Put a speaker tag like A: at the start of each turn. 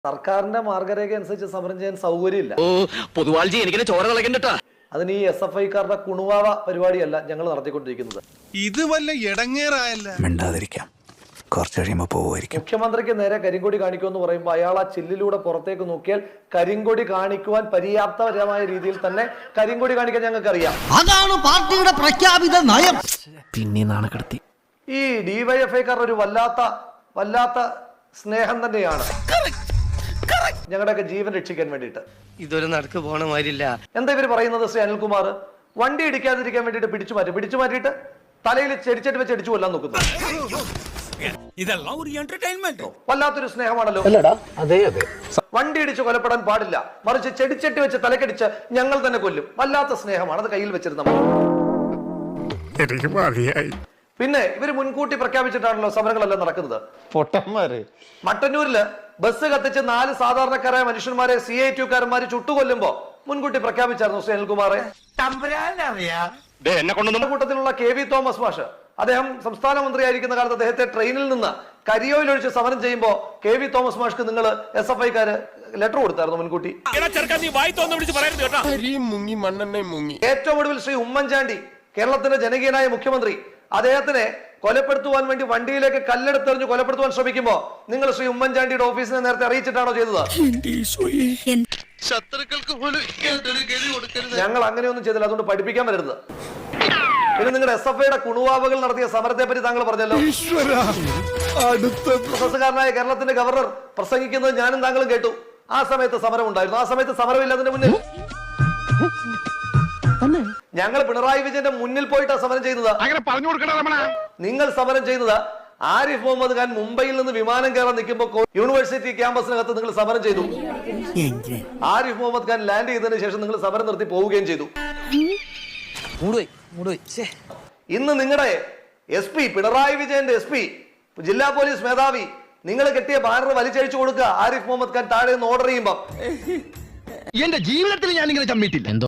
A: സർക്കാരിന്റെ മാർഗരേഖ അനുസരിച്ച് സമരം ചെയ്യാൻ സൗകര്യമില്ല. അതിന് ഈ SFIക്കാരുടെ കുണുവാവ പരിപാടിയല്ല ഞങ്ങൾ നടത്തിക്കൊണ്ടിരിക്കുന്നത്.
B: ഇത് വല്ല ഇടങ്ങേറായല്ല.
C: മിണ്ടാതിരിക്കാം, കുറച്ച് കഴിയുമ്പോൾ പോവുമായിരിക്കും.
A: മുഖ്യമന്ത്രിക്ക് നേരെ കരിങ്കൊടി കാണിക്കുമെന്ന് പറയുമ്പോൾ അയാൾ ആ ചില്ലിലൂടെ പുറത്തേക്ക് നോക്കിയാൽ കരിങ്കൊടി കാണിക്കുവാൻ പര്യാപ്തപരമായ രീതിയിൽ തന്നെ കരിങ്കൊടി കാണിക്കാൻ ഞങ്ങൾക്ക് അറിയാം.
D: അതാണ് പാർട്ടിയുടെ പ്രഖ്യാപിത നയം.
C: പിന്നെ നാണക്കെടുത്തി.
A: ഈ DYFIക്കാരുടെ ഒരു വല്ലാത്ത സ്നേഹം തന്നെയാണ് ഞങ്ങളുടെയൊക്കെ ജീവൻ രക്ഷിക്കാൻ വേണ്ടിയിട്ട്.
E: ഇതൊരു നടക്ക് പോണ മാതിരില്ല.
A: എന്താ ഇവര് പറയുന്നത്? ശ്രീ അനിൽകുമാർ വണ്ടി ഇടിക്കാതിരിക്കാൻ വേണ്ടിയിട്ട് പിടിച്ചു മാറ്റിയിട്ട് തലയിൽ ചെടിച്ചെട്ടി വെച്ച് അടിച്ചു കൊല്ലാൻ നോക്കുന്നു.
B: ഇതെല്ലാം ഒരു എന്റർടൈൻമെന്റ്.
A: വല്ലാത്തൊരു സ്നേഹമാണല്ലോ. വണ്ടി ഇടിച്ച് കൊലപ്പെടാൻ പാടില്ല, മറിച്ച് ചെടിച്ചെട്ടി വെച്ച് തലക്കടിച്ച് ഞങ്ങൾ തന്നെ കൊല്ലും. വല്ലാത്ത സ്നേഹമാണ്. അത് കയ്യിൽ വെച്ചിരുന്ന പിന്നെ ഇവര് മുൻകൂട്ടി പ്രഖ്യാപിച്ചിട്ടാണല്ലോ സമരങ്ങളെല്ലാം നടക്കുന്നത്.
F: പൊട്ടന്മാര്
A: മട്ടന്നൂരില് ബസ് കത്തിച്ച് 4 സാധാരണക്കാരായ മനുഷ്യന്മാരെ CITUക്കാരന്മാര് ചുട്ടുകൊല്ലുമ്പോ മുൻകൂട്ടി പ്രഖ്യാപിച്ചായിരുന്നു ശ്രീ അനിൽകുമാറെ. കൂട്ടത്തിലുള്ള KV തോമസ് മാഷ്, അദ്ദേഹം സംസ്ഥാന മന്ത്രിയായിരിക്കുന്ന കാലത്ത് അദ്ദേഹത്തെ ട്രെയിനിൽ നിന്ന് കരിയോയിൽ ഒഴിച്ച് സമരം ചെയ്യുമ്പോ KV തോമസ് മാഷ്ക്ക് നിങ്ങൾ SFIക്കാര് ലെറ്റർ കൊടുത്തായിരുന്നു മുൻകൂട്ടി. ഏറ്റവും ഒടുവിൽ ശ്രീ ഉമ്മൻചാണ്ടി, കേരളത്തിന്റെ ജനകീയനായ മുഖ്യമന്ത്രി, അദ്ദേഹത്തിനെ കൊലപ്പെടുത്തുവാൻ വേണ്ടി വണ്ടിയിലേക്ക് കല്ലെടുത്തെറിഞ്ഞ് കൊലപ്പെടുത്തുവാൻ ശ്രമിക്കുമ്പോ നിങ്ങൾ ശ്രീ ഉമ്മൻചാണ്ടിയുടെ ഓഫീസിനെ നേരത്തെ അറിയിച്ചിട്ടാണോ ചെയ്തത്? ഞങ്ങൾ അങ്ങനെയൊന്നും ചെയ്തില്ല, അതുകൊണ്ട് പഠിപ്പിക്കാൻ വരരുത്. പിന്നെ നിങ്ങളുടെ SFIയുടെ കുണുവാവകൾ നടത്തിയ സമരത്തെ പറ്റി താങ്കൾ പറഞ്ഞല്ലോ. പ്രൊഫസറുകാരനായ കേരളത്തിന്റെ ഗവർണർ പ്രസംഗിക്കുന്നത് ഞാനും താങ്കളും കേട്ടു. ആ സമയത്ത് സമരം ഉണ്ടായിരുന്നു. ആ സമയത്ത് സമരമില്ല. അതിന്റെ മുന്നിൽ ഞങ്ങൾ പിണറായി വിജയന്റെ മുന്നിൽ പോയിട്ടാണ് സമരം ചെയ്യുന്നത്. നിങ്ങൾ സമരം ചെയ്യുന്നത് ആരിഫ് മുഹമ്മദ് ഖാൻ മുംബൈയിൽ നിന്ന് വിമാനം കയറാൻ നിൽക്കുമ്പോൾ യൂണിവേഴ്സിറ്റി ക്യാമ്പസിനകത്ത് നിങ്ങൾ സമരം ചെയ്തു. ആരിഫ് മുഹമ്മദ് ഖാൻ ലാൻഡ് ചെയ്തതിനു ശേഷം നിങ്ങൾ സമരം നിർത്തി പോവുകയും ചെയ്തു. ഇന്ന് നിങ്ങളുടെ SP, പിണറായി വിജയന്റെ SP, ജില്ലാ പോലീസ് മേധാവി, നിങ്ങൾ കെട്ടിയ ബാനർ വലിച്ചഴിച്ചു കൊടുക്കുക ആരിഫ് മുഹമ്മദ് ഖാൻ താഴെ നിന്ന് ഓർഡർ ചെയ്യുമ്പോ.
D: എന്റെ ജീവിതത്തിൽ ഞാൻ ഇങ്ങനെ ചമ്മിട്ടില്ല.